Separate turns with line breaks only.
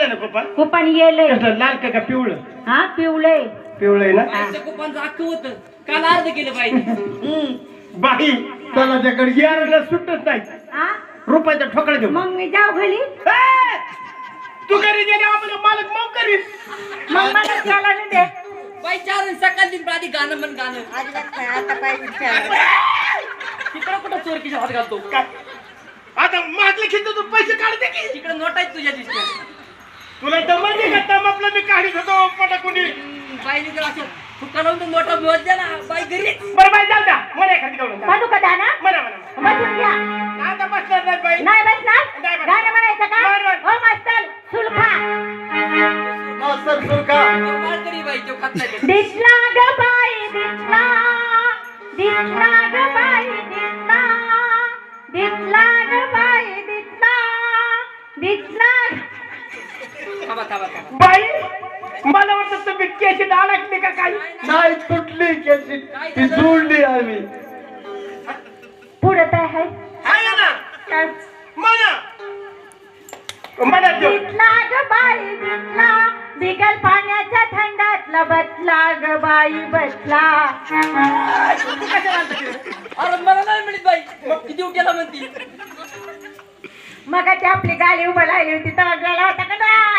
आलं ना coupon
coupon येले
कसं लाल का पिवळं
हा पिवळे
पिवळं आहे ना
कुपनचं अख्खं होतं काल अर्ध केलं पाहिजे
बाई त्याला त्याकडे गियारला सुटत नाही
हा
रुपयाचा ठोकळा देऊ
मग मी जाऊ घरी
तू घरी गेले आपलं मालक मग करील
मग मला त्याला नाही दे
बाई चार सकाळ दिन आधी गाणं म्हण गाणं
अजिबात नाही आता पाहिजे
तिकडं कुठं चोरकीच्या हात घालतो
काय आता माझले खिच तू पैसे काढते की
तिकडे नोट आहेत तुझ्या दिसत्या
तुला तर म्हणजे का दम आपला मी काढीत होतो पटाकुनी
बाईने जर असं फुका लावून तर नोटा मिळत द्या ना बाई घरी
बरं बाई जाऊ द्या मला एखादी काढून द्या.
म्हणू का दाना
म्हणा म्हणा
बसून घ्या
आता बसणार नाही बाई
नाही बसणार
नाही बसणार.
गाणं म्हणायचं का
म्हण, म्हण.
हो मास्तर सुलखा
मास्तर सुरका
माळकरी बाई तो खात नाही
दिसला ग बाई दिसला दिसला ग बाई दिसला दिसला ग बाई दिसला दिसला
थांबा थांबा थांबा
बाई मला वाटतं तुम्ही केशी अडकली का काही नाही तुटली केशी ती जोडली आम्ही
पुढे काय आहे
आहे ना
काय?
म्हणा म्हणा तो.
दिसला ग बाई दिसला बिगल पाण्याच्या थंडातला बसला ग बाई बसला
तू कशाला आणता तिकडे? अरे मला नाही मिळत बाई किती उठ्याला म्हणती
मग ती आपली गाडी उभं राहिली होती तेव्हा गेला होता का नाही